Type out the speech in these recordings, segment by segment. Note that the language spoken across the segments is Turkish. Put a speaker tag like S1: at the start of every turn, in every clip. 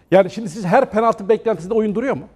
S1: Yani şimdi siz her penaltı beklentisinde oyun duruyor mu?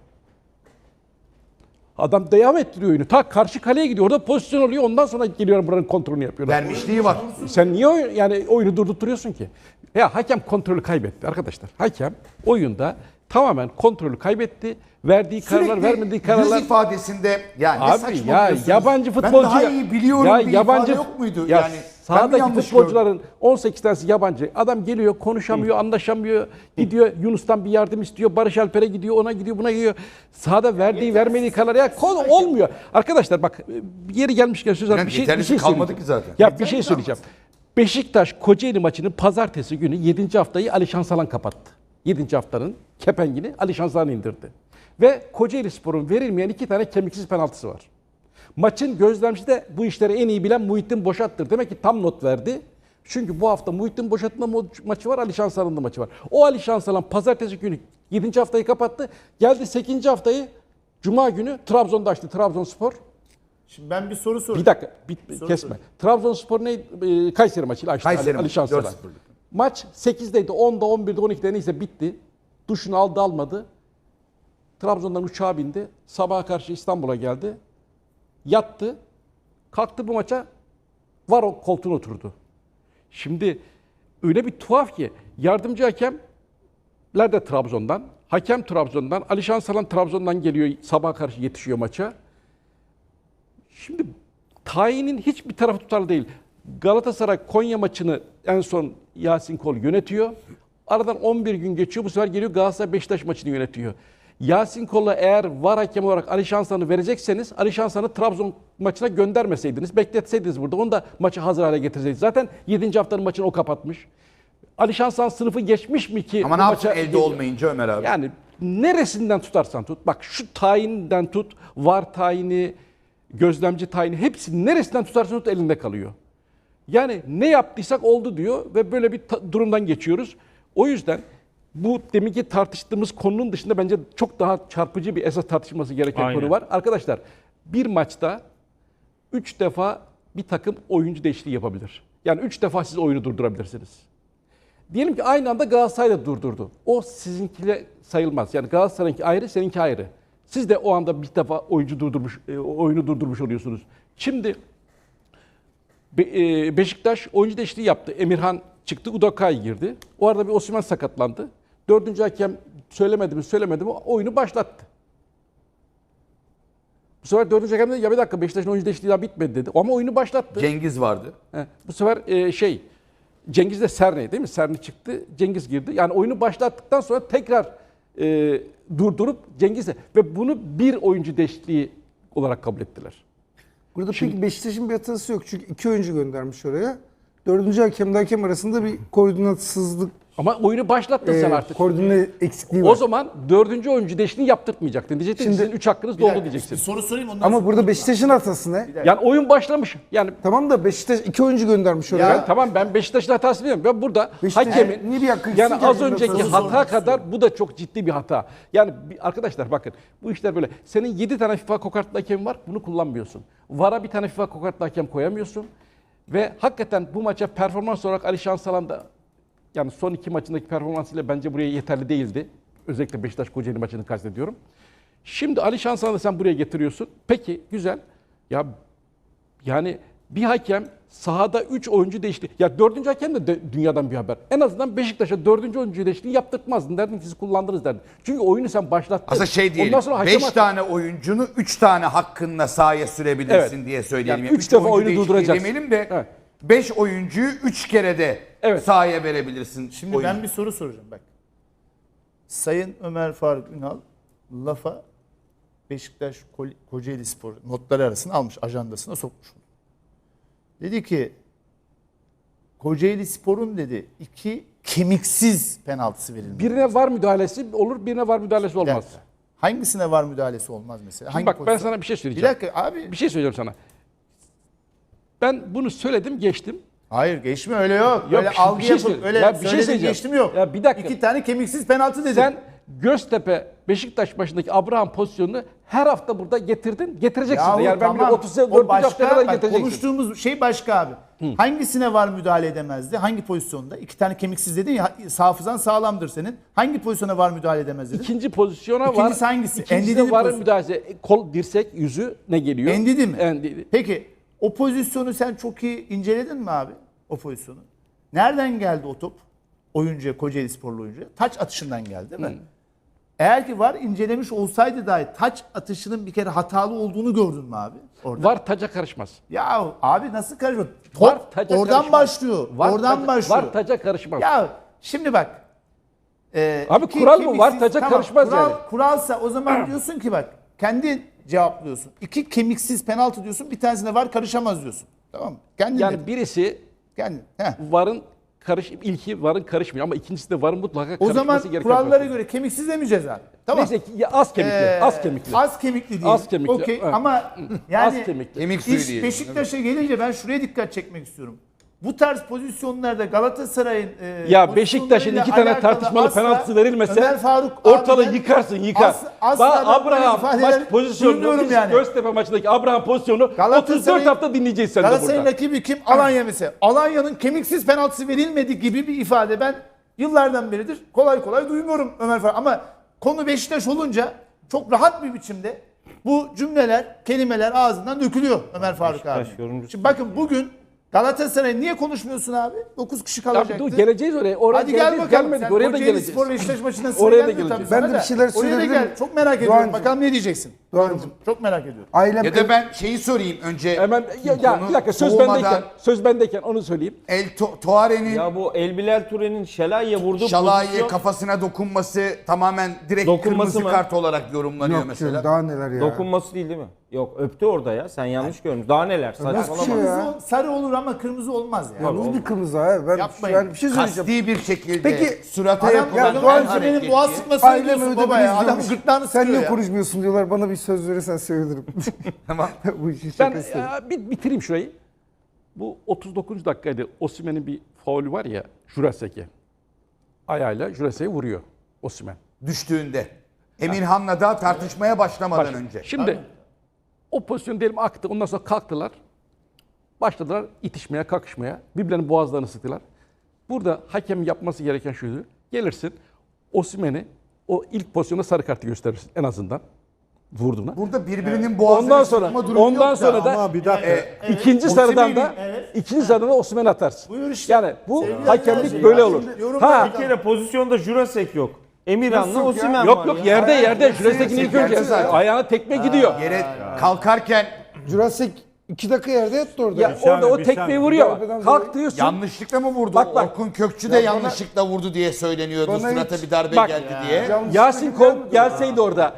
S1: Adam devam ettiriyor oyunu. Ta karşı kaleye gidiyor. Orada pozisyon oluyor. Ondan sonra geliyor buranın kontrolünü yapıyorlar.
S2: Vermişliği var.
S1: Sen niye yani oyunu durdurtuyorsun ki? Ya hakem kontrolü kaybetti arkadaşlar. Hakem oyunda tamamen kontrolü kaybetti. Verdiği kararlar, vermediği kararlar.
S2: Yüz ifadesinde ya ne
S1: Abi ya
S2: saçmalıyorsunuz?
S1: yabancı futbolcu
S2: Ben daha iyi biliyorum
S1: ya
S2: bir
S1: yabancı
S2: ifade yok muydu?
S1: Ya
S2: Yani
S1: sahadaki futbolcuların 18 tanesi yabancı. Adam geliyor, konuşamıyor, anlaşamıyor. Gidiyor Yunus'tan bir yardım istiyor. Barış Alper'e gidiyor, ona gidiyor, buna gidiyor. Sahada verdiği, vermediği kararlar ya konu olmuyor. Arkadaşlar bak yeri gelmişken söz
S2: Yani
S1: bir şey
S2: kalmadı
S1: söyleyeceğim.
S2: ki zaten.
S1: Ya bir şey söyleyeceğim. Beşiktaş Kocaeli maçını pazartesi günü 7. haftayı Ali Şansalan kapattı. 7. haftanın kepengini Ali Şansalan indirdi. Ve Kocaelispor'un verilmeyen 2 tane kemiksiz penaltısı var. Maçın gözlemcisi de bu işleri en iyi bilen Muhittin Boşat'tır. Demek ki tam not verdi. Çünkü bu hafta Muhittin Boşat'ın maçı var, Ali Şansalan'ın da maçı var. O Ali Şansalan pazartesi günü 7. haftayı kapattı. Geldi 8. haftayı Cuma günü Trabzon'da açtı. Trabzonspor.
S3: Şimdi ben bir soru sorayım.
S1: Bir dakika, kesme. Trabzonspor ne? Kayseri maçıyla açtı
S2: Kayseri
S1: Ali
S2: maçı,
S1: Şansalan.
S2: 4-0'lık.
S1: Maç 8'deydi, 10'da, 11'de, 12'de neyse bitti. Duşunu aldı almadı. Trabzon'dan uçağa bindi. Sabaha karşı İstanbul'a geldi. Yattı. Kalktı bu maça var o koltuğuna oturdu. Şimdi öyle bir tuhaf ki yardımcı hakemler de Trabzon'dan, hakem Trabzon'dan, Ali Şansalan Trabzon'dan geliyor sabaha karşı yetişiyor maça. Şimdi tayinin hiçbir tarafı tutarlı değil. Galatasaray Konya maçını en son Yasin Kol yönetiyor. Aradan 11 gün geçiyor. Bu sefer geliyor Galatasaray Beşiktaş maçını yönetiyor. Yasin Kol'a eğer VAR hakemi olarak Ali Şansalan'ı verecekseniz Ali Şansalan'ı Trabzon maçına göndermeseydiniz, bekletseydiniz burada. Onu da maçı hazır hale getirseydiniz. Zaten 7. haftanın maçını o kapatmış. Ali Şansalan sınıfı geçmiş mi ki?
S2: Ama ne yapsın elde olmayınca Ömer abi?
S1: Yani neresinden tutarsan tut. Bak şu tayinden tut, VAR tayini, gözlemci tayini hepsi neresinden tutarsan tut elinde kalıyor. Yani ne yaptıysak oldu diyor ve böyle bir durumdan geçiyoruz. O yüzden bu deminki tartıştığımız konunun dışında bence çok daha çarpıcı bir esas tartışılması gereken konu var. Arkadaşlar bir maçta 3 defa bir takım oyuncu değişikliği yapabilir. Yani 3 defa siz oyunu durdurabilirsiniz. Diyelim ki aynı anda Galatasaray da durdurdu. O sizinkiyle sayılmaz. Yani Galatasaray'ınki ayrı, seninki ayrı. Siz de o anda bir defa oyunu durdurmuş oluyorsunuz. Şimdi Beşiktaş oyuncu değişikliği yaptı. Emirhan çıktı, Udokay girdi. O arada bir Osimhen sakatlandı. 4. hakem söylemedi mi oyunu başlattı. Bu sefer 4. hakem dedi ya bir dakika Beşiktaş'ın oyuncu değişikliği daha bitmedi dedi. Ama oyunu başlattı.
S2: Cengiz vardı.
S1: Bu sefer Cengiz de Serne değil mi? Serne çıktı, Cengiz girdi. Yani oyunu başlattıktan sonra tekrar durdurup Cengiz de ve bunu bir oyuncu değişikliği olarak kabul ettiler.
S4: Burada peki Beşiktaş'ın bir hatası yok. Çünkü 2 oyuncu göndermiş oraya. 4. hakemle hakem arasında bir koordinatsızlık,
S1: Ama oyunu başlattın sen artık.
S4: koordine eksikliği var.
S1: O zaman 4. oyuncu değişikliğini yaptırtmayacaktın. Diyecektin
S4: Şimdi-
S1: sizin 3 hakkınız doldu diyeceksin.
S3: Bir soru sorayım ondan
S4: Ama
S3: sonra.
S4: burada Beşiktaş'ın hatası ne?
S1: Yani oyun başlamış. Yani
S4: Tamam da Beşiktaş 2 oyuncu göndermiş oraya.
S1: tamam ben Beşiktaş'ın hatasını bilmiyorum. Ben burada
S4: Beşiktaş-
S1: hakemin
S4: niye bir hakkı
S1: yani
S4: eksik
S1: az
S4: yani?
S1: önceki
S4: Soru
S1: hata kadar bu da çok ciddi bir hata. Yani arkadaşlar bakın bu işler böyle. Senin 7 tane FIFA kokartlı hakemin var. Bunu kullanmıyorsun. VAR'a bir tane FIFA kokartlı hakem koyamıyorsun. Ve hakikaten bu maça performans olarak Ali Şansalan da yani son 2 maçındaki performansıyla bence buraya yeterli değildi. Özellikle Beşiktaş Kocaeli maçını kastediyorum. Şimdi Ali Şansalan'ı sen buraya getiriyorsun. Peki güzel. Ya yani bir hakem sahada 3 oyuncu değişti. Ya 4. hakem de dünyadan bir haber. En azından Beşiktaş'a 4. oyuncu değişikliği yaptırtmazdın. Derdin ki siz kullandınız derdin. Çünkü oyunu sen başlattın.
S2: Aslında diyelim.
S1: Ondan sonra hakem
S2: 5 tane oyuncunu 3 tane hakkınla sahaya sürebilirsin
S1: Evet.
S2: diye söyleyelim.
S1: Yani 3 defa
S2: oyuncu
S1: oyunu
S2: değişikliği
S1: durduracaksın.
S2: demeyelim de
S1: Evet.
S2: 5 oyuncuyu 3 kere de
S1: Evet.
S2: sahaya verebilirsin.
S3: Şimdi
S2: oyuncu.
S3: ben bir soru soracağım bak. Sayın Ömer Faruk Ünal lafa Beşiktaş Kocaeli Spor notları arasına almış, ajandasına sokmuş. Dedi ki Kocaeli Spor'un dedi 2 kemiksiz penaltısı verildi.
S1: birine var müdahalesi olur, birine var müdahalesi olmaz.
S3: Hangisine var müdahalesi olmaz mesela?
S1: Şimdi bak ben
S3: pozisyon?
S1: sana bir şey
S3: Bir
S1: söyleyeceğim.
S3: dakika abi.
S1: Bir şey söyleyeceğim sana. Ben bunu söyledim, geçtim.
S3: Hayır geçme öyle yok.
S1: Yok,
S3: Öyle
S1: bir şey
S3: algı yapıp
S1: söyle-
S3: öyle
S1: Ya bir şey
S3: söyledim
S1: söyleyeceğim.
S3: geçtim yok.
S1: Ya bir dakika.
S3: 2 tane kemiksiz penaltı dedim.
S1: Sen Göztepe Beşiktaş maçındaki Abraham pozisyonunu her hafta burada getirdin. Getireceksin
S3: Yahu
S1: de. Yani ben bile
S3: tamam,
S1: 34.
S3: o başka,
S1: haftaya kadar
S3: bak,
S1: getireceksin.
S3: konuştuğumuz şey başka abi. Hangisine var müdahale edemezdi? Hangi pozisyonda? 2 tane kemiksiz dedin ya, hafızan sağlamdır senin. Hangi pozisyona var müdahale edemez dedin?
S1: İkinci pozisyona var.
S3: İkincisi hangisi?
S1: İkincisi
S3: Endidi
S1: de varın
S3: pozisyon.
S1: müdahalesi. Kol, dirsek, yüzü ne geliyor?
S3: Endidi mi?
S1: Endidi.
S3: Peki o pozisyonu sen çok iyi inceledin mi abi? O pozisyonu. Nereden geldi o top? Oyuncuya, Kocaeli sporlu oyuncuya. Taç atışından geldi değil mi? Eğer ki var incelemiş olsaydı dahi taç atışının bir kere hatalı olduğunu gördün mü abi? Orada.
S1: Var taca karışmaz.
S3: Ya abi nasıl karışıyor? Top
S1: Var taca
S3: oradan
S1: karışmaz.
S3: başlıyor. Oradan
S1: taca,
S3: başlıyor.
S1: Var taca karışmaz.
S3: Ya şimdi bak.
S1: Abi
S3: iki
S1: kural mı? Var
S3: kemiksiz-
S1: taca karışmaz
S3: kural,
S1: yani.
S3: Kuralsa o zaman diyorsun ki bak kendi cevaplıyorsun. 2 kemiksiz penaltı diyorsun. Bir tanesine var karışamaz diyorsun. Tamam mı? Kendin
S1: Yani
S3: dedin.
S1: birisi
S3: Kendin. Heh.
S1: varın ilki varın karışmıyor ama ikincisi de varın mutlaka
S3: O
S1: karışması
S3: zaman
S1: gereken
S3: kurallara
S1: pozisyon.
S3: göre kemiksiz demeyeceğiz abi. Tamam.
S1: Neyse ki ya az kemikli, az kemikli.
S3: Az kemikli değil.
S1: Az kemikli,
S3: Okey
S1: evet.
S3: ama yani
S1: Az kemikli.
S2: Kemik suyu
S3: iş
S2: diyelim.
S3: Beşiktaş'a gelince ben şuraya dikkat çekmek istiyorum. Bu tarz pozisyonlarda Galatasaray'ın
S1: Ya Beşiktaş'ın 2 tane tartışmalı penaltısı verilmese
S3: Ömer Faruk
S1: ortalığı
S3: abiden
S1: yıkarsın yıkar.
S3: asla
S1: Bak
S3: ben böyle
S1: Abraham
S3: ifadeler
S1: maç pozisyonu
S3: duymuyorum yani.
S1: Göztepe maçındaki Abraham pozisyonu 34 hafta dinleyeceğiz sen de
S3: Galatasaray'ın
S1: burada.
S3: rakibi kim? Alanya mesela. Alanya'nın kemiksiz penaltısı verilmedi gibi bir ifade ben yıllardan beridir kolay kolay duymuyorum Ömer Faruk. Ama konu Beşiktaş olunca çok rahat bir biçimde bu cümleler, kelimeler ağzından dökülüyor Ömer Faruk abi.
S5: Beşiktaş yorumcusu.
S3: Şimdi bakın bugün Galatasaray niye konuşmuyorsun abi? 9 kişi
S1: Ya
S3: kalacaktı.
S1: dur geleceğiz oraya. Oraya
S3: Hadi gel
S1: geleceğiz,
S3: bakalım.
S1: gelmedik.
S3: Sen
S1: Oraya da
S3: Kocaeli
S1: geleceğiz.
S3: Spor Beşiktaş maçından sonra
S1: Oraya da
S3: gelmiyor
S1: geleceğiz.
S3: tabii
S4: Ben
S3: sana
S4: de bir şeyler
S3: Oraya da
S4: söyleyebilir
S3: gel.
S4: miyim?
S3: Çok merak ediyorum.
S4: Doğancığım.
S3: Bakalım ne diyeceksin.
S4: Doğancığım.
S3: Çok merak ediyorum.
S4: Ailem
S2: Ya da ben şeyi sorayım önce.
S1: Hemen ya
S2: Konu
S1: bir dakika
S2: soğumadan
S1: söz bendeyken onu söyleyeyim.
S2: Tuare'nin
S5: Ya bu El Bilal Ture'nin Şalai'ye vurduğu
S2: Şalai'ye
S5: pozisyon
S2: kafasına dokunması tamamen direkt
S5: Dokunması
S2: kırmızı
S5: mı?
S2: kart olarak yorumlanıyor
S4: yok
S2: mesela.
S4: canım, daha neler ya.
S5: dokunması değil mi? Yok öptü orada ya. Sen yanlış görmüşsün. Daha neler?
S4: Nasıl
S5: Saçmalama.
S4: şey ya?
S3: Kırmızı, sarı olur ama kırmızı olmaz ya.
S4: Ya nasıl bir kırmızı abi? Ben
S3: Yapmayın.
S4: yani bir şey söyleyeceğim.
S2: Kasti bir şekilde
S4: Peki,
S2: surata
S3: Adam
S2: yapılan
S3: ya
S2: her
S3: Doğan
S2: hareket
S3: benim boğaz
S2: ki-
S3: sıkmasını
S4: Ailem
S3: diyorsun
S4: öyle
S3: baba ya. Adam
S4: diyormuş.
S3: gırtlağını
S4: Sen
S3: sıkıyor
S4: niye
S3: ya.
S4: konuşmuyorsun diyorlar. Bana bir söz verirsen sevinirim.
S2: Tamam.
S4: Bu işin
S1: Ben
S4: şakası.
S1: bitireyim şurayı. Bu 39. dakikaydı. Osimhen'in bir faulü var ya Jurasek'e. Ayağıyla Jurasek'e vuruyor Osimhen.
S2: Düştüğünde. Emirhan'la da tartışmaya başlamadan önce.
S1: Şimdi o pozisyon diyelim aktı. Ondan sonra kalktılar. Başladılar itişmeye, kakışmaya. Birbirlerinin boğazlarını sıktılar. Burada hakemin yapması gereken şuydu. Gelirsin Osimhen'i o ilk pozisyonda sarı kartı gösterirsin en azından. Vurduğuna.
S2: Burada birbirinin boğazını
S1: Ondan sonra
S2: sıkma durumu
S1: ondan
S2: yok
S1: sonra da
S6: Ama bir dakika.
S1: ikinci
S3: Osimhen'in,
S1: sarıdan da
S3: evet.
S1: ikinci sarıdan da Osimhen'i atarsın.
S3: Buyur işte.
S1: Yani bu
S3: Sevgili
S1: hakemlik
S3: arkadaşlar,
S1: böyle
S3: ya
S1: olur.
S3: şimdi yorum
S1: Ha
S5: Bir kere pozisyonda Jurasek yok. Emirhan'la
S4: Nasıl
S5: Osimhen
S1: yok
S5: var
S1: yok
S5: ya.
S1: yerde Jurasek'in ilk önce
S2: yerde zaten.
S1: ayağına tekme gidiyor.
S2: yere kalkarken
S4: Jurassic 2 dakika yerde yattı orada.
S1: Ya
S6: Bir saniye,
S1: orada o
S6: bir
S1: tekmeyi
S6: saniye.
S1: vuruyor.
S4: Darbeden
S1: Kalk
S4: dolayı-
S1: diyorsun.
S2: yanlışlıkla mı vurdu?
S1: Bak, bak.
S2: Orkun Kökçü de
S4: Ya bana-
S2: yanlışlıkla vurdu diye söyleniyordu.
S4: Bana
S2: Surata
S4: hiç-
S2: bir darbe
S1: Bak.
S2: geldi diye.
S1: Yasin Kol gelseydi orada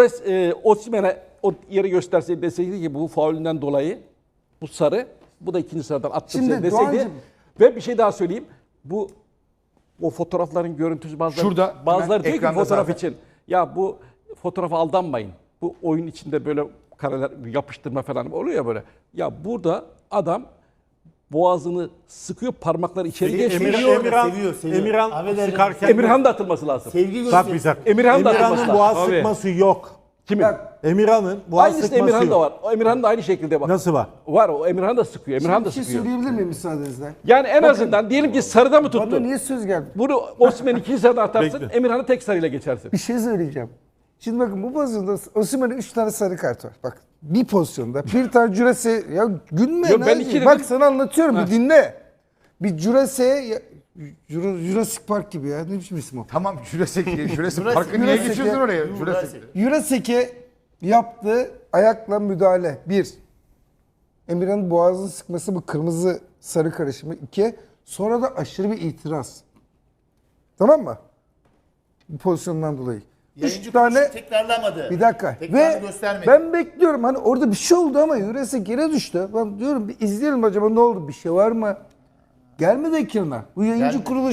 S1: Osimhen'e o yeri gösterseydi deseydi ki bu faulünden dolayı bu sarı bu da ikinci sarıdan attım
S4: Şimdi
S1: seni deseydi.
S4: Doğancığım-
S1: Ve bir şey daha söyleyeyim. O fotoğrafların görüntüsü
S2: Şurada,
S1: bazıları
S2: hemen
S1: diyor ki
S2: ekranda
S1: fotoğraf
S2: zaten.
S1: için ya bu fotoğrafa aldanmayın. Bu oyun içinde böyle kareler yapıştırma falan oluyor ya böyle. Ya burada adam boğazını sıkıyor, parmaklar içeri geçiyor.
S6: Emirhan
S3: Affedersin.
S6: sıkarken
S1: Emirhan da atılması lazım.
S3: Sevgi
S6: Bak
S3: göster.
S6: bir dakika.
S1: Emirhan da atılması
S6: Emirhan'ın
S1: lazım.
S6: boğaz
S5: Tabii.
S6: sıkması yok.
S1: Kimin?
S6: Emirhan'ın boğaz
S1: Aynısı
S6: sıkması
S1: Emirhan da
S6: yok.
S1: var. O Emirhan da aynı şekilde bak.
S6: Nasıl var?
S1: Var o Emirhan da sıkıyor. Emirhan da
S4: Bir şey
S1: sıkıyor.
S4: söyleyebilir miyim müsaadenizle?
S1: Yani en azından diyelim ki sarıda mı
S4: Bana
S1: tuttun?
S4: niye söz geldi?
S1: Bunu Osimhen'in ikinci sarıda atarsın.
S6: Bekle.
S1: Emirhan'ı tek sarıyla geçersin.
S4: Bir şey söyleyeceğim. Şimdi bakın bu pozisyonda Osimhen'in 3 tane sarı kart var. Bak bir pozisyonda bir tane Jurassic ya gülme
S1: Yok,
S4: ne?
S1: ben iki
S4: Bak
S1: dedim.
S4: sana anlatıyorum bir dinle. Bir Jurassic Park gibi ya. Ne biçim isim o?
S2: Tamam Jurassic Park'ı niye
S4: Jurassic
S2: geçiyorsun
S4: ya.
S2: oraya? Jurassic.
S4: Jurassic'e yaptığı ayakla müdahale. 1. Emirhan'ın boğazını sıkması bu kırmızı sarı karışımı. 2. Sonra da aşırı bir itiraz. Tamam mı? Bu pozisyondan dolayı. 3 tane
S3: tekrarlamadı.
S4: bir dakika.
S3: Tekrarını
S4: Ve
S3: göstermedi.
S4: ben bekliyorum hani orada bir şey oldu ama Jurassic yere düştü. Ben diyorum bir izleyelim acaba ne oldu? Bir şey var mı? Gelmedi ekrana. Bu yayıncı kuruluş